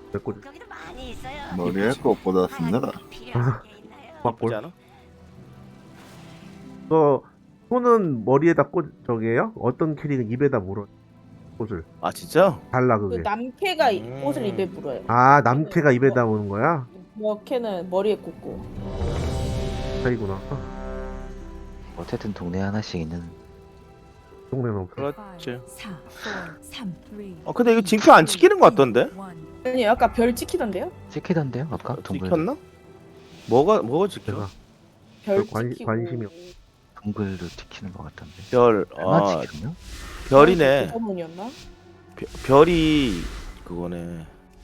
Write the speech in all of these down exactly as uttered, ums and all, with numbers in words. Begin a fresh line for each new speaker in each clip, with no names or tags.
꽂
여기도 많이 있어요.
머리에 꼭 꽂았습니다.
필요한 게 있나요?
막
예쁘지
꽂.
않아?
그거 손은 머리에다 꽂 저게요? 어떤 캐릭은 입에다 물어 꽃을.
아 진짜?
달라
그
그게.
남캐가 이-
음.
꽃을 입에 물어요.
아 남캐가 입에다 무는 거야?
여캐는 머리에 꽂고.
차이구나.
어쨌든 동네 하나씩 있는.
동네는 없어.
그렇지.
사, 사, 삼, 이,
어 근데 이거 징표 안 찍히는 것 같던데?
일.
아니 아까 별 찍히던데요?
찍히던데요 아까 동글.
찍혔나? 뭐가 뭐가 찍혀?
제가
별
관-
찍히고.
관심이 없-
동글도 찍히는 것 같던데.
별,
얼마
아
찍혔나?
별이네.
서문이었나?
별- 별이 그거네.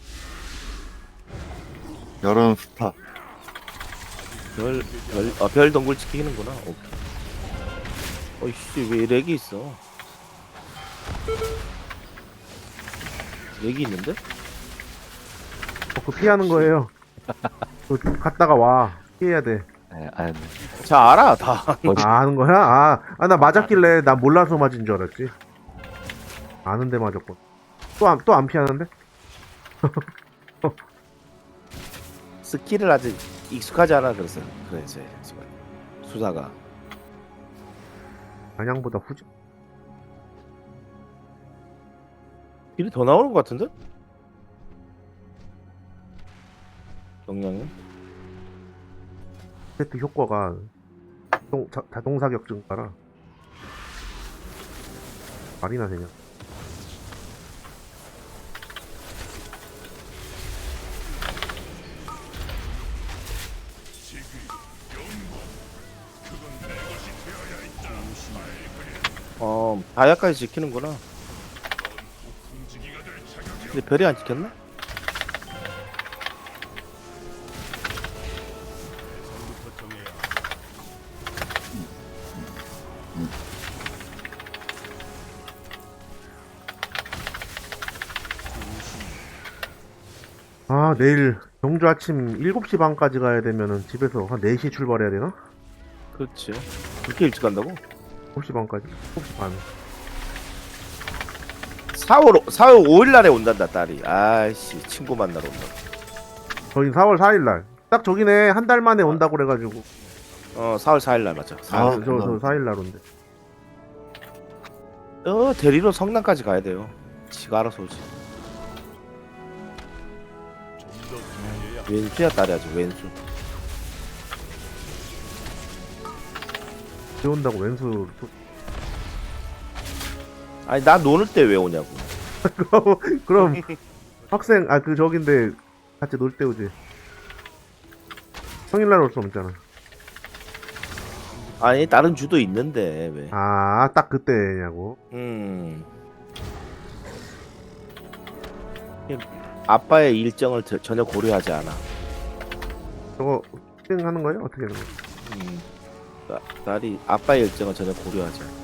여름 스타.
별, 별, 아, 별 동굴 찍히는구나. 오케이. 어이씨, 왜 렉이 있어? 렉이 있는데?
어, 그 피하는 거예요. 그 갔다가 와 피해야 돼.
네, 아, 네.
자, 알아, 다.
아, 아는 거야? 아, 아, 나 맞았길래 나 몰라서 맞은 줄 알았지. 아는데 맞았고. 또 안, 또 안 피하는데?
스킬을 아직 익숙하지 않아, 그래서. 그래, 이제, 지금. 수사가.
마냥보다 후지.
길이 더 나오는 것 같은데? 영양이?
세트 효과가 자동, 자, 자동 사격 증가라. 말이나 되냐?
어, 다야까지 지키는구나. 근데 별이 안 지켰나?
아, 내일 경주 아침 일곱 시 반까지 가야 되면은 집에서 한 네 시에 출발해야 되나?
그렇지. 그렇게 일찍 간다고?
일곱 시 반까지? 일곱 시 반.
사월, 사월 오일 날에 온단다, 딸이. 아이씨, 친구 만나러 온다.
저희 사월 사일 날. 딱 저기네. 한 달 만에 온다고 그래가지고.
어, 사월 사일 날 맞아.
아,
사월.
저, 저 사 일 날 온대.
어, 대리로 성남까지 가야 돼요. 지가 알아서 오지. 왼수야, 딸이 아주 왼수.
비 온다고 왼수.
아니, 나 노는 때 왜 오냐고.
그럼 학생, 아, 그 저긴데 같이 놀 때 오지. 평일날 올 수 없잖아.
아니, 다른 주도 있는데, 왜.
아, 딱 그때냐고.
음. 아빠의 일정을 저- 전혀 고려하지 않아.
저거 실행하는 거예요? 어떻게 하는 거예요?
음. 따, 딸이 아빠의 일정을 전혀 고려하지 않아.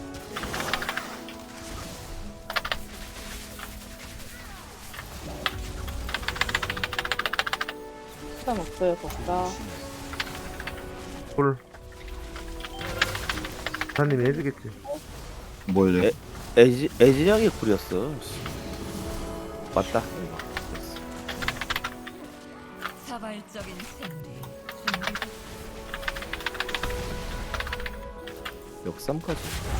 시간 없어요, 덥다.
꿀. 사장님이 해주겠지.
뭘요?
에? 애지, 애진영이 구렸어. 맞다. 이거.
자발적인 생리. 준비.
역삼까지.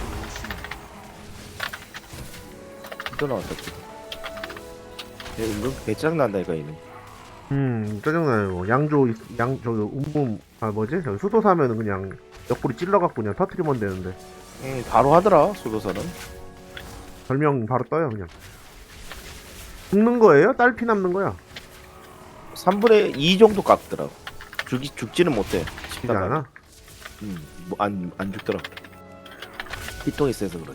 또 나왔다. 또. 얘 은근 배짱 난다니까 얘는.
음, 짜증나요. 양조, 있- 양, 저기, 운봉, 아, 뭐지? 저기 수도 사면은 그냥 옆구리 찔러갖고 그냥 터트리면 되는데.
응, 바로 하더라 소도사는.
별명 바로 떠요, 그냥. 죽는 거예요? 딸피 남는 거야?
삼분의 이 정도 깎더라고. 죽이 죽지는 못해.
죽지 않아?
음, 뭐안 안 죽더라. 피통이 세서 그래.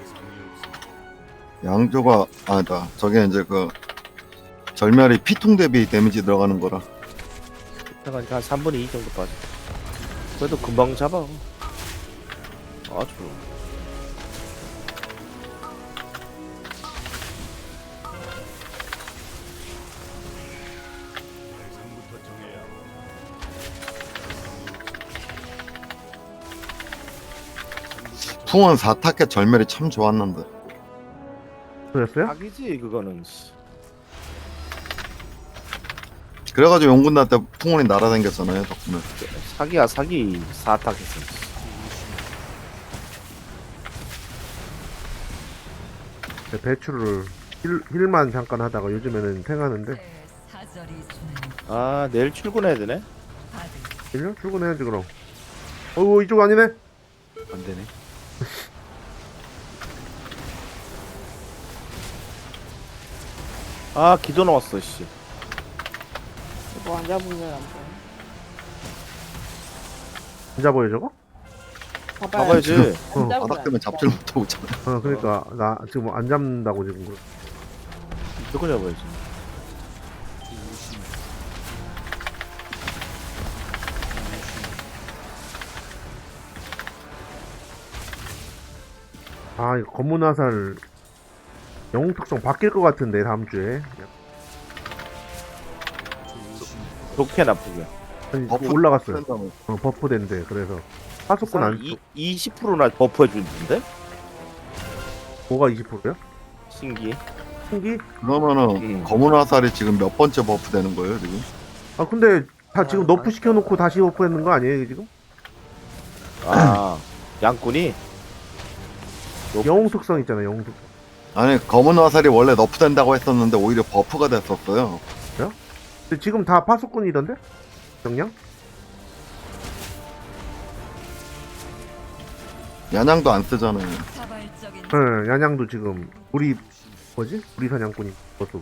양조가 아니다. 저게 이제 그 절멸이 피통 대비 데미지 들어가는 거라.
그러니까 한 삼분의 이 정도 빠져. 그래도 금방 잡아. 아주.
풍원 사 타켓 절멸이 참 좋았는데.
그랬어요?
악이지 그거는.
그래가지고 용군단 때 풍운이 날아다녔잖아요 덕분에.
사기야 사기 사탁했어.
배추를 힐, 힐만 잠깐 하다가 요즘에는 탱하는데
사절이 주는
아 내일 출근해야 되네.
받을
힐려? 출근해야지 그럼. 어우 이쪽 아니네?
안 되네.
아 기도 나왔어 씨.
이거 안 잡으면 안 돼.
안 잡아요 저거?
잡아야지.
안
어,
잡으면
바닥
안
때문에
돼.
잡지를 못하고 있잖아.
어 그러니까 나 지금 안 잡는다고 지금 그래.
무조건 잡아야지.
아 이거 검문 화살 영웅 특성 바뀔 것 같은데 다음 주에
좋게 나쁘게.
아니,
버프
올라갔어요.
된다며.
어, 버프 된대. 그래서 파수꾼 안
이, 이십 퍼센트나 버프해 주는데?
뭐가 이십 퍼센트야?
신기.
신기?
그러면은
음.
검은 화살이 지금 몇 번째 버프 되는 거예요 지금?
아 근데 다 지금 너프 시켜놓고 다시 버프했는 거 아니에요 지금?
아 양꾼이
영웅 특성 있잖아 영웅 특성.
아니 검은 화살이 원래 너프 된다고 했었는데 오히려 버프가 됐었어요.
근데 지금 다 파수꾼이던데? 정량?
야냥도 안 쓰잖아요.
자발적인
응 야냥도 지금 우리 뭐지? 우리 사냥꾼이 그거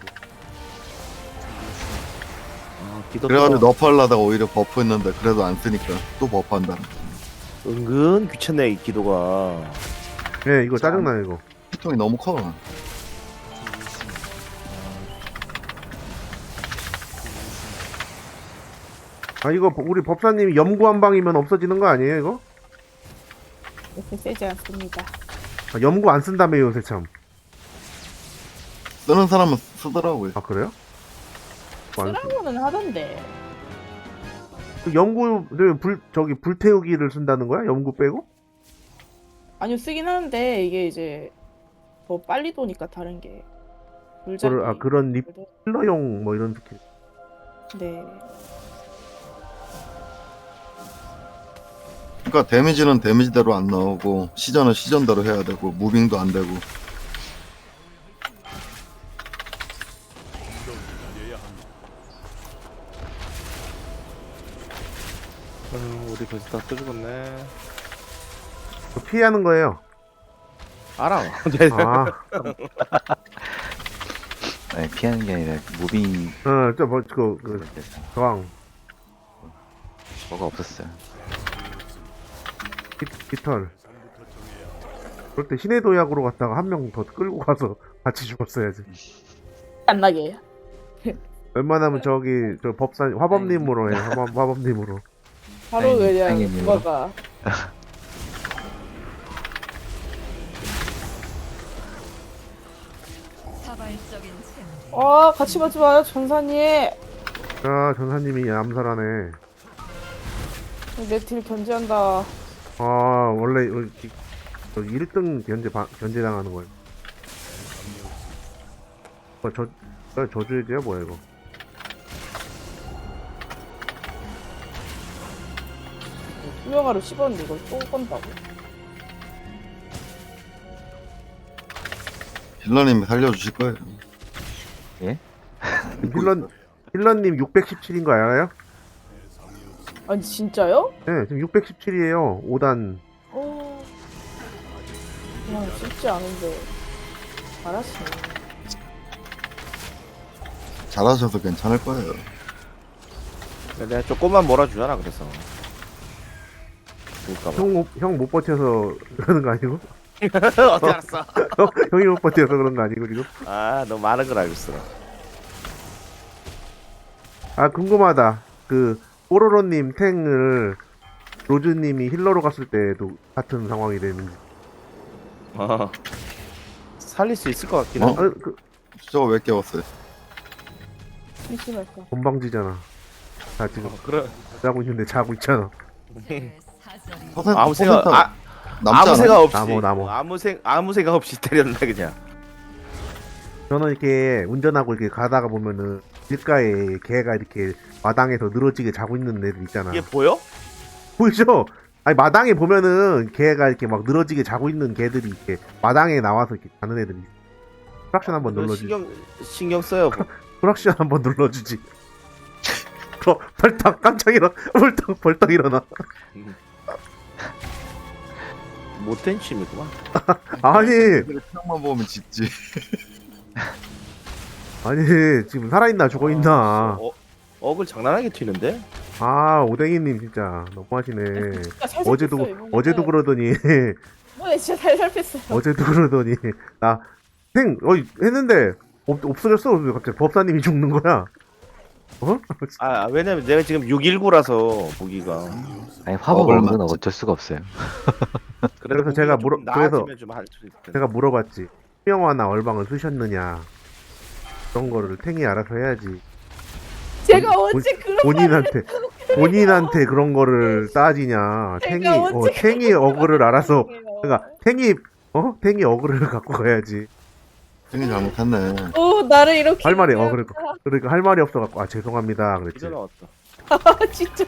아, 기도
그래가지고
또
너프 하려다가 오히려 버프 했는데 그래도 안 쓰니까 또 버프 한다.
은근 귀찮네 이 기도가.
예 이거 짜증나 이거.
피통이 너무 커.
아 이거 우리 법사님이 염구 한 방이면 없어지는 거 아니에요 이거?
이렇게 세지 않습니다.
아, 염구 안 쓴다며 요새 참.
쓰는 사람은 쓰더라고요.
아 그래요? 뭐 안 쓰-
쓰라고는 하던데.
그 염구를 불 저기 불태우기를 쓴다는 거야? 염구 빼고?
아니요 쓰긴 하는데 이게 이제 더 빨리 도니까 다른 게. 물자기.
그걸, 아 그런 립힐러용 뭐 이런 스킬.
네.
그러니까 데미지는 데미지대로 안 나오고 시전은 시전대로 해야 되고 무빙도 안 되고.
아유, 우리 벌써 다또 죽었네.
그거 피하는 거예요.
알아.
아,
아니, 피하는 게 아니라 무빙
어, 저 뭐, 그, 그,
돼서
저항,
뭐가 없었어요.
깃, 깃털. 그럴 때 신의 도약으로 갔다가 한 명 더 끌고 가서 같이 죽었어야지.
안 나게.
웬만하면 저기, 저 법사, 화법님으로 해, 화법, 화법님으로.
바로
아니,
그냥
아니,
누가가
자발적인 샘
아 같이 가지 마요 전사님.
자, 전사님이 암살하네.
내 딜 견제한다.
아, 원래, 어, 이- 저 일 등 견제, 바, 견제당하는 거예요. 어, 저, 저, 저주의제야, 뭐야, 이거.
투명화로 씹었는데 이걸 또 건다고.
힐러님이 살려주실 거예요.
힐러, 힐러님 육백십칠인 거 알아요?
아니 진짜요?
네, 지금 육백십칠이에요. 오 단.
어. 그냥 쉽지 않은데 잘하시네.
잘하셔서 괜찮을 거예요.
내가 조금만 몰아주잖아 그래서. 그럴까봐.
형, 형 못 버텨서 그러는 거 아니고?
어떻게 알았어?
형, 형이 못 버텨서 그런 거 아니고, 지금?
아, 너 많은 걸 알고 있어.
아, 궁금하다. 그, 뽀로로님 탱을 로즈님이 힐러로 갔을 때도 같은 상황이 되는지.
어. 살릴 수 있을 것 같긴
어?
해.
아, 그,
저거 왜 깨웠어요?
심심할까.
건방지잖아. 자, 지금
그래.
자고 있는데 자고 있잖아.
내 사절이
퍼센트,
아무 생각
퍼센트
아,
남지
아무
않아요?
생각 없이
나무, 나무.
아무 생 아무 생각 없이 때렸네 그냥.
저는 이렇게 운전하고 이렇게 가다가 보면은 길가에 개가 이렇게 마당에서 늘어지게 자고 있는 애들 있잖아.
이게 보여?
보이죠? 아니 마당에 보면은 개가 이렇게 막 늘어지게 자고 있는 개들이 이렇게 마당에 나와서 이렇게 자는 애들이 있어. 프락션 한번
이거
눌러주지.
신경 신경 써요. 뭐.
프락션 한번 눌러주지. 어, 벌떡 깜짝 일어나. 벌떡 벌떡 일어나.
못된 취미구만.
아니
표정만 보면 짖지.
아니 지금 살아있나 죽어있나.
어, 억을 장난하게 튀는데?
아 오뎅이님 진짜 너무하시네.
진짜 잘
어제도
살폈어요, 이번에.
어제도 그러더니
이번에 진짜 잘 살폈어요.
어제도 그러더니 나생 어 했는데 없, 없어졌어. 왜 갑자기 법사님이 죽는 거야? 어?
아 왜냐면 내가 지금 육일구라서 무기가.
아니 화법
먹을
없는 건
만지.
어쩔 수가 없어요.
그래도
그래서 제가 물어-
물어
그래서
나아지면 좀 할 수 있을 텐데.
제가 물어봤지. 수명화나 얼방을 쓰셨느냐. 그런 거를 탱이 알아서 해야지.
제가
본-
언제 그런
본인한테 본인한테 그런 거를 따지냐.
제가
탱이 어,
언제
탱이 어그를 알아서
말을
그러니까 탱이 어 탱이 어그를 갖고 가야지.
생이 잘못했네.
어 나를 이렇게
할 말이 어 그러니까 그러니까 할 말이 없어 갖고 아 죄송합니다 그랬지.
이제 나왔다.
아, 진짜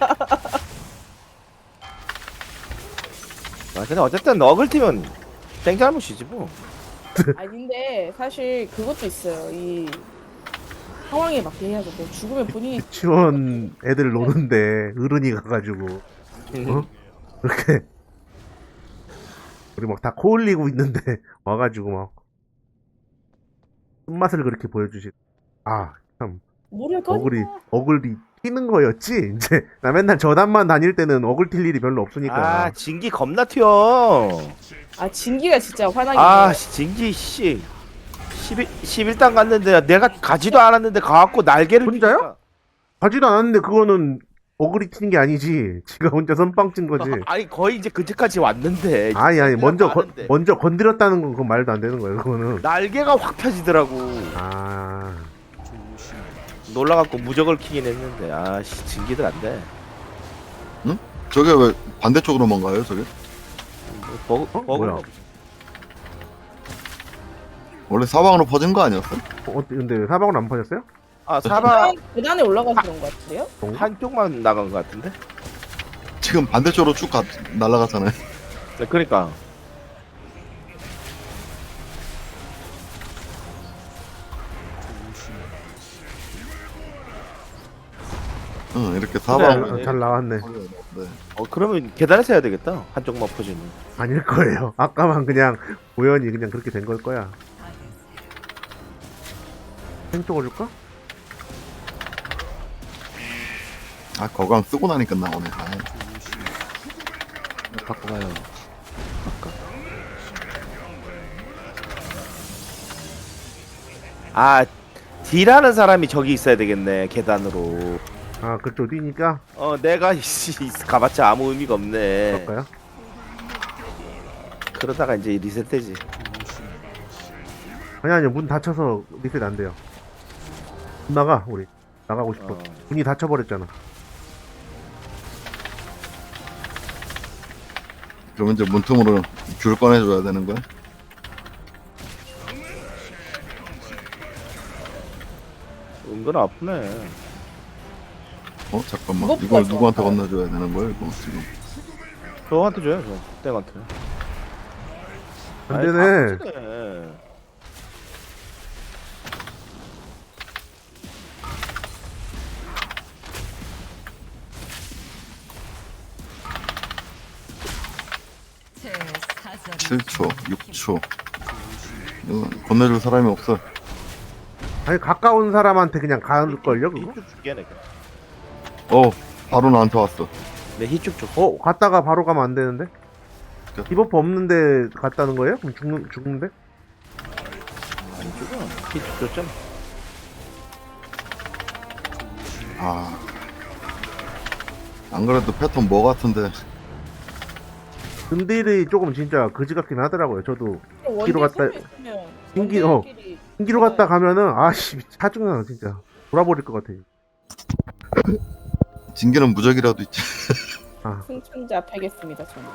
아 근데 어쨌든 억을 튀면 땡 잘못이지 뭐.
아닌데 사실 그것도 있어요. 이 상황에 맞게 해야죠. 뭐 죽으면 본인이
유치원 애들 노는데 어른이 가가지고 어? 그렇게 우리 막 다 코 흘리고 있는데 와가지고 막 쓴맛을 그렇게 보여주시. 아 참
모를 거니까.
어글이 어글이 튀는 거였지. 이제 나 맨날 저단만 다닐 때는 어글 튈 일이 별로 없으니까.
아 진기 겁나 튀어.
아 진기가 진짜 화나게.
아
해요.
씨, 진기 씨. 십일, 십일 단 갔는데 내가 가지도 않았는데 가갖고 날개를
혼자요?
피니까.
가지도 않았는데 그거는 어글이 튀는 게 아니지. 지가 혼자 선빵 찐 거지.
아니 거의 이제 근처까지 왔는데
아니 아니 먼저 거,
많은데.
먼저 건드렸다는 건 그건 말도 안 되는 거예요. 그거는.
날개가 확 펴지더라고.
아
놀라갖고 무적을 키긴 했는데 아씨 진기들 안돼.
저게 왜 반대쪽으로만 가요, 저게?
버그
어?
버그.
뭐야?
원래 사방으로 퍼진 거 아니었어?
어, 근데 사방은 안 퍼졌어요?
아 사바
계단에 올라가서 그런 것 같은데요?
한쪽만 나간 것 같은데.
지금 반대쪽으로 쭉 가, 날아갔잖아요.
네, 그러니까
응, 이렇게 사방으로.
네.
잘 나왔네.
네.
어 그러면 계단에서 해야 되겠다. 한쪽만 퍼지면.
아닐 거예요. 아까만 그냥 우연히 그냥 그렇게 된 걸 거야. 생 쪽어줄까?
아, 거강 쓰고 나니까 나오네. 아,
바꿔봐요.
아 딜하는 사람이 저기 있어야 되겠네 계단으로.
아 그쪽 뛰니까
어 내가 이씨 가봤자 아무 의미가 없네.
그럴까요?
그러다가 이제 리셋되지.
아니 아니요 문 닫혀서 리셋 안 돼요. 문 나가 우리 나가고 싶어.
어.
문이 닫혀버렸잖아.
그러면 이제 문틈으로 귤 꺼내줘야 되는 거야?
은근 아프네.
어, 잠깐만.
무겁다,
이걸
저거.
누구한테 건네줘야 되는 거야, 이거 지금?
저한테 줘요 저 땡한테.
안
아이,
되네.
다 크네.
제 사절이
칠 초, 육 초. 이거 건네줄 사람이 없어.
아니 가까운 사람한테 그냥 가을걸요 그거?
히쭉 줄게 내가.
어, 바로 나한테 왔어.
내 히쭉 줘.
어 갔다가 바로 가면 안 되는데?
그-
디버프 없는데 갔다는 거예요? 그럼 죽는 죽는데?
안 죽어. 히쭉 줬잖아.
아. 안 그래도 패턴 뭐 같은데.
근딜이 조금 진짜 그지 같긴 하더라고요. 저도
원딜
뒤로 갔다-
세 명 있으면
신기- 어.
원딜끼리
신기로 갔다 가면은 아씨 사중나 진짜 돌아버릴 것 같아.
징계는 무적이라도 있지.
아
승천자 패겠습니다 저는.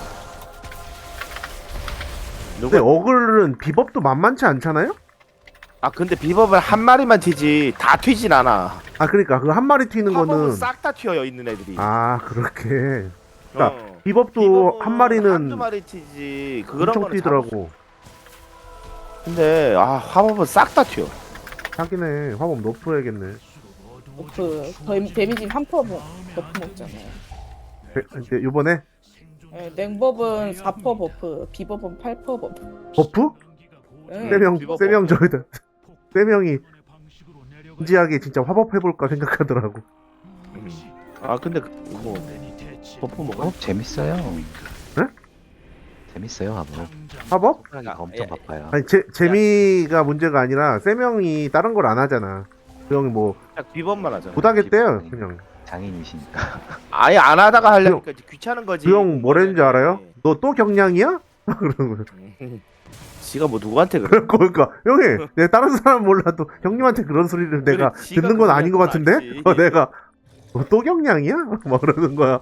근데
누가
어글은 비법도 만만치 않잖아요?
아 근데 비법은 한 마리만 튀지 다 튀진 않아.
아 그러니까 그 한 마리 튀는
화법은
거는
싹 다 튀어요 있는 애들이.
아 그렇게 그러니까
어.
비법도
비법은
한 마리는
한두 마리 튀지. 그런
엄청
거는
튀더라고.
잡을 수- 근데 아 화법은 싹 다 튀어.
하긴해. 화법 높여야겠네.
그 데- 데미지 한 퍼 버프 먹잖아요.
에, 이제 요번에
예, 냉법은 사 퍼 버프, 비법은 팔 퍼 버프.
버프?
예.
세명
비법
세명 저기다 세 명이 진지하게 진짜 화법 해볼까 생각하더라고.
아 근데 그- 뭐 버프 먹어?
어 재밌어요.
네?
재밌어요 화보.
화법?
하기가 엄청 바빠요.
아니 제, 재미가 문제가 아니라 세 명이 다른 걸 안 하잖아. 그 형이 뭐
딱 비법만 하잖아.
못하겠대요 그냥.
장인이시니까.
아예 안 하다가 하려니까 이제 귀찮은 거지.
그 형 뭐랬는지 알아요? 너 또 경량이야? 그러는 거야.
지가 뭐 누구한테 그래?
그러니까 그러니까 형이 내가 다른 사람 몰라도 형님한테 그런 소리를 내가
그래, 지가
듣는 건 아닌 것
그런 건
같은데?
알지.
어, 내가 너 또 경량이야? 막 그러는 거야.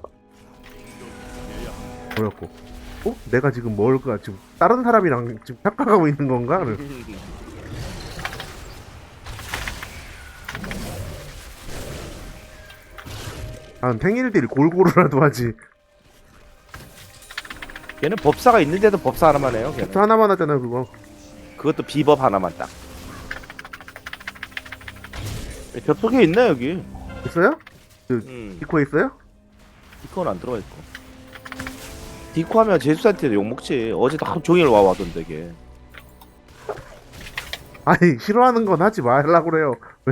뭐였고? 어? 내가 지금 뭘까? 지금 다른 사람이랑 지금 착각하고 있는 건가? 그래. 아, 탱일들이 골고루라도 하지.
걔는 법사가 있는데도 법사 하나만 해요. 걔는.
또 하나만 하잖아 그거.
그것도 비법 하나만 딱. 겹속에 있네 여기.
있어요?
음,
디코에 있어요?
디코는 안 들어가 있고. 디코 하면 제수한테 욕 먹지. 어제도 하루 종일 와 와던데 걔.
아니 싫어하는 건 하지 말라고 그래요. 왜?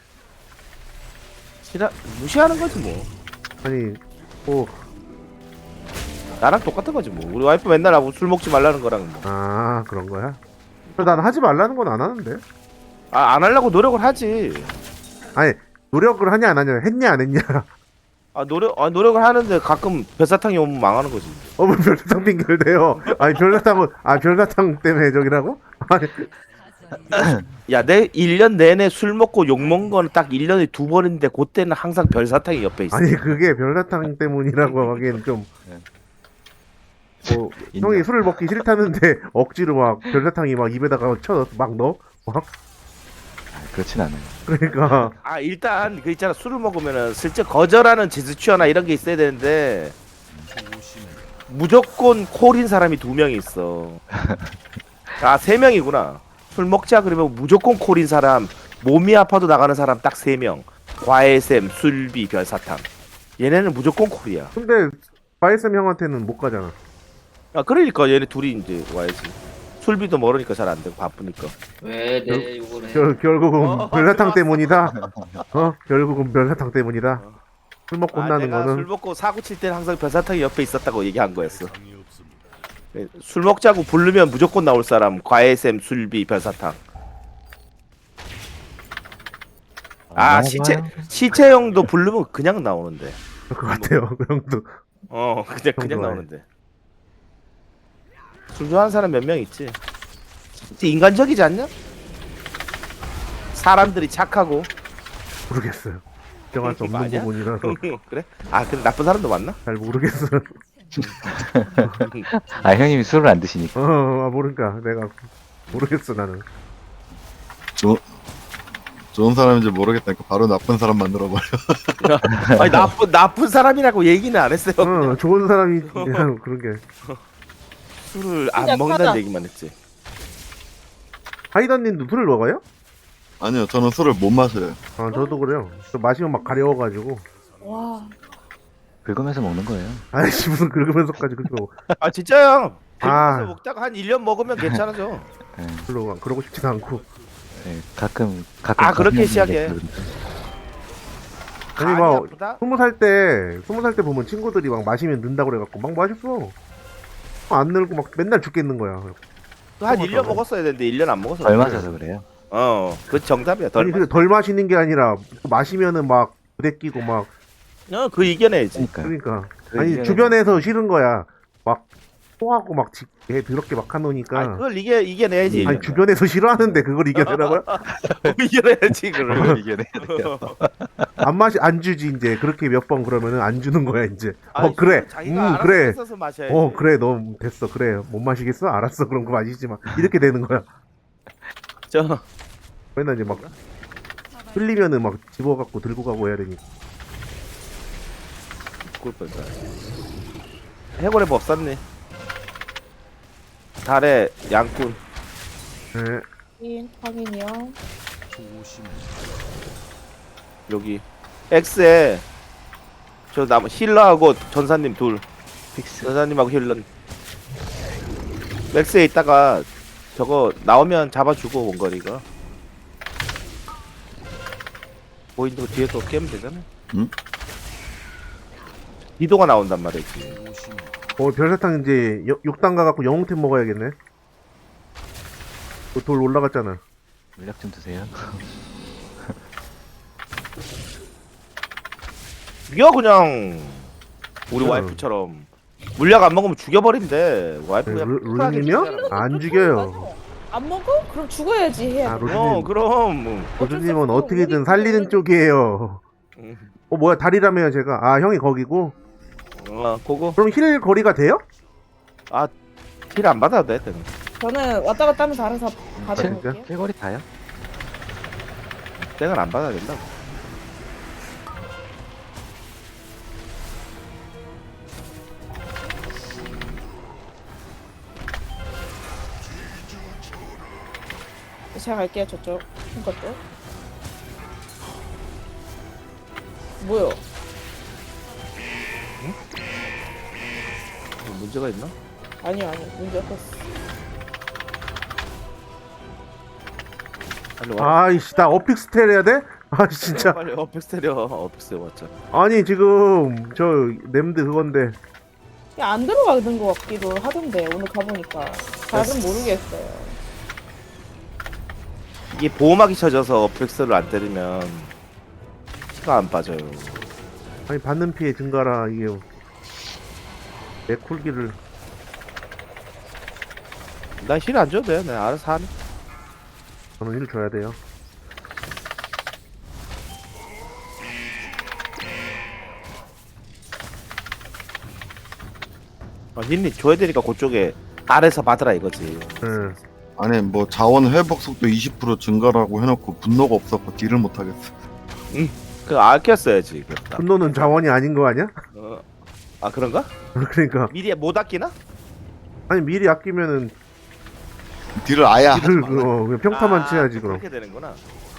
싫어 무시하는 거지 뭐.
아니 뭐
나랑 똑같은 거지 뭐. 우리 와이프 맨날 하고 술 먹지 말라는 거랑 뭐.
아 그런 거야? 난 하지 말라는 건 안 하는데.
아, 안 하려고 노력을 하지.
아니 노력을 하냐 안 하냐 했냐 안 했냐.
아 노력 아 노력을 하는데 가끔 별사탕이 오면 망하는 거지.
어머 별사탕 핑계를 대요. 아니 별사탕은 아 별사탕 때문에 저기라고? 아니
야, 내 일 년 내내 술 먹고 욕 먹은 거는 딱 일 년에 두 번인데 그때는 항상 별사탕이 옆에 있어.
아니 그게 별사탕 때문이라고 하기엔 좀. 뭐
인정.
형이 술을 먹기 싫다는데 억지로 막 별사탕이 막 입에다가 쳐 막 넣어? 막
아, 그렇진 않아요.
그러니까
아, 일단 그 있잖아. 술을 먹으면은 슬쩍 거절하는 제스처나 이런 게 있어야 되는데 무조건 콜인 사람이 두 명이 있어. 아, 세 명이구나. 술 먹자 그러면 무조건 콜인 사람, 몸이 아파도 나가는 사람 딱 세 명. 과외쌤, 술비, 별사탕. 얘네는 무조건 콜이야.
근데 바이쌤 형한테는 못 가잖아.
아, 그러니까 얘네 둘이 이제 와야지. 술비도 멀으니까 잘 안 되고 바쁘니까.
왜 내 욕을 해?
결, 결국은
어,
별사탕
좋았어.
때문이다. 어 결국은 별사탕 때문이다.
어.
술 먹고
아,
혼나는
내가 술
거는
먹고 사고 칠 때는 항상 별사탕이 옆에 있었다고 얘기한 거였어. 네, 술 먹자고 부르면 무조건 나올 사람. 과외쌤, 술비, 별사탕. 아, 시체 시체형도 부르면 그냥 나오는데.
그럴 것 같아요. 그 형도
어, 그냥 그냥
좋아해.
나오는데. 술 좋아하는 사람 몇 명 있지. 진짜 인간적이지 않냐? 사람들이 착하고.
모르겠어요. 정할 수 없는
아니야?
부분이라서
그래? 아, 근데 나쁜 사람도 많나?
잘 모르겠어요.
아 형님이 술을 안 드시니까.
어, 아, 모르니까 내가 모르겠어 나는.
좋 좋은 사람인지 모르겠다니까 바로 나쁜 사람 만들어버려.
아니 나쁜 나쁜 사람이라고 얘기는 안 했어요.
어, 좋은 사람이 그냥 그런 게.
술을 안
진짜
먹는다는
크다.
얘기만 했지.
하이던님도 술을 먹어요?
아니요, 저는 술을 못 마셔요.
아 저도 그래요. 저 마시면 막 가려워가지고.
와,
긁으면서 먹는 거예요.
아이씨 무슨 긁으면서까지 그거
아 진짜요?
아.
그래서 먹다가 한 일 년 먹으면 괜찮아져.
예,
별로 그러고 싶지도 않고.
예, 가끔 가끔.
아, 그렇게
거슬리는
시작해.
게 그러니까.
아니
간이
막
아프다?
스무 살 때 스무 살 때 보면 친구들이 막 마시면 는다 그래갖고 막 마셨어. 안 늘고 막 맨날 죽겠는 거야.
한 일 년 먹었어야 되는데 일 년 안 먹었어.
덜 마셔서 그래요.
어, 그 정답이야. 덜
아니
마.
근데 덜 마시는 게 아니라 마시면은 막 부대 끼고 막
어, 그 이겨내야지.
그러니까.
그러니까
그
아니
이겨내는-
주변에서 싫은 거야. 막 토하고 막 지- 애 더럽게 막
아,
하노니까.
그걸 이겨 이겨내야지.
아니 주변에서 싫어하는데 그걸 이겨내라고요?
이겨내야지 그걸.
이겨내.
안 마시 안 주지 이제 그렇게 몇 번 그러면은 안 주는 거야 이제. 어
아니,
그래.
자기가
음
알아서
그래.
뺏어서 마셔야지.
어 그래 너 됐어 그래 못 마시겠어 알았어 그럼 그 마시지 마 이렇게 되는 거야.
저
맨날 이제 막 흘리면은 막 집어갖고 들고 가고 해야 되니까.
꿀 뻔다. 해골의 법 쌌네. 달의 양꾼.
네.
확인, 확인이요.
여기 X에 저 남 힐러하고 전사님 둘.
픽스.
전사님하고 힐러. X에 있다가 저거 나오면 잡아주고 원거리가. 보인도 뒤에 또 깨면 되잖아.
응?
이도가 나온단 말이지.
어, 별사탕 이제 육 단 가갖고 영웅템 먹어야겠네. 그돌 올라갔잖아.
물약 좀 드세요.
죽여 그냥 우리
응.
와이프처럼 물약 안 먹으면 죽여버린대. 와이프
네,
그냥
루-
쿨하게
루루님이요?
죽이잖아.
안 죽여요.
맞아. 안 먹어? 그럼 죽어야지 해야
아,
돼.
루루님.
어 그럼.
로즈님은 어떻게든 살리는 쪽이에요.
음.
어, 뭐야, 다리라며요, 제가. 아, 형이 거기고.
어 그거
그럼 힐 거리가 돼요?
힐 안 받아도 돼. 때는.
저는 왔다 갔다 하면서 알아서
진짜?
받아볼게요.
킬거리 다요?
땡을 안 받아야 된다고.
제가 갈게요, 저쪽. 큰 것도. 뭐요?
뭐 문제가 있나?
아니요, 아니요. 문제 없었어.
빨리 와.
아이씨, 나 어픽스텔 해야 돼? 아, 진짜.
빨리 어펙스 때려. 어펙스 왔잖아.
아니, 지금, 저, nem드 그건데.
야, 안 들어가는 것 같기도 하던데, 오늘 가보니까. 잘은 모르겠어요.
이게 보호막이 쳐져서 어펙스를 안 때리면 피가 안 빠져요.
아니, 받는 피해 증가라, 이게. 내 쿨기를.
난 힐 안 줘도 돼. 내가 알아서 하네.
저는 힐 줘야 돼요.
어, 힐이 줘야 되니까 그쪽에 아래서 받으라 이거지.
응.
아니 뭐 자원 회복 속도 이십 퍼센트 증가라고 해놓고 분노가 없어서 딜을 못 하겠어.
그 아꼈어야지. 그렇다.
분노는 자원이 아닌 거 아니야?
어. 아 그런가?
그러니까.
미리 못 아끼나?
아니, 미리 아끼면은,
딜을 아예 하지
딜을,
말라.
어, 그냥 평타만
아,
치야지, 그럼.
그렇게 되는구나.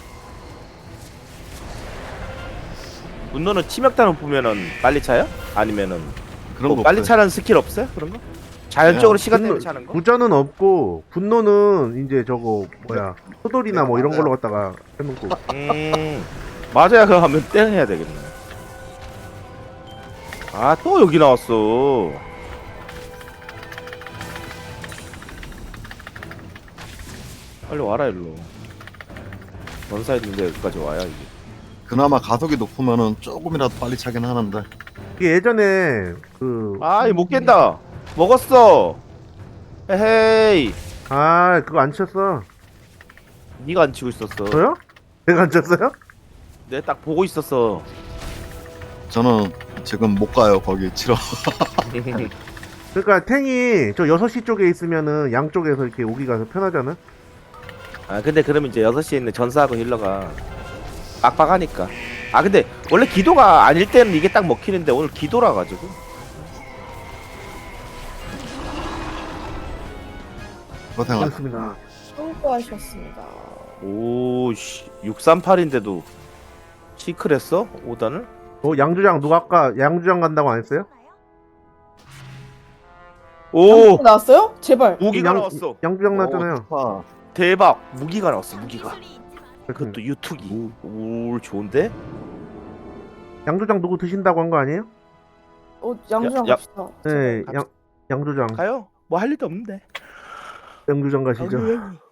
분노는 치명타는 보면은 빨리 차요? 아니면은
그런
뭐
거
빨리
없어요.
차는 스킬 없어요? 그런 거? 자연적으로
그냥
시간 내에
분노-
차는 거?
부자는 없고, 분노는 이제 저거, 뭐야, 소돌이나 뭐 이런 걸로 갖다가 해놓고.
음 맞아야 그거 하면 땡 해야 되겠네. 아 또 여기 나왔어. 빨리 와라 일로. 원사 있는데 여기까지 와야 이게.
그나마 가속이 높으면은 조금이라도 빨리 차긴 하는데.
이게 예전에, 그,
아이 못 깬다. 먹었어. 에헤이.
아, 그거 안 쳤어.
네가 안 치고 있었어.
저요? 내가 안 쳤어요?
내가 딱 보고 있었어.
저는 지금 못 가요 거기 치러.
그러니까 탱이 저 여섯 시 쪽에 있으면은 양쪽에서 이렇게 오기가 더 편하잖아?
아 근데 그러면 이제 여섯 시에 있는 전사하고 힐러가 빡빡하니까. 아 근데 원래 기도가 아닐 때는 이게 딱 먹히는데 오늘 기도라 가지고.
고생하셨.
그렇습니다.
수고하셨습니다.
오씨 육삼팔인데도 시크했어? 오 단을?
어, 양주장 누가 아까 양주장 간다고 안 했어요?
오!
나왔어요? 제발.
무기가
양-
나왔어.
양주장 나왔잖아요.
아,
대박. 무기가 나왔어. 무기가.
그것도
그것도 유투기. 오 좋은데?
양주장 누구 드신다고 한 거 아니에요?
어, 양주랑
야, 야.
갑시다.
네,
갑시다.
양 양주장
가요? 뭐 할 일도 없는데.
양주장 가시죠.
아유,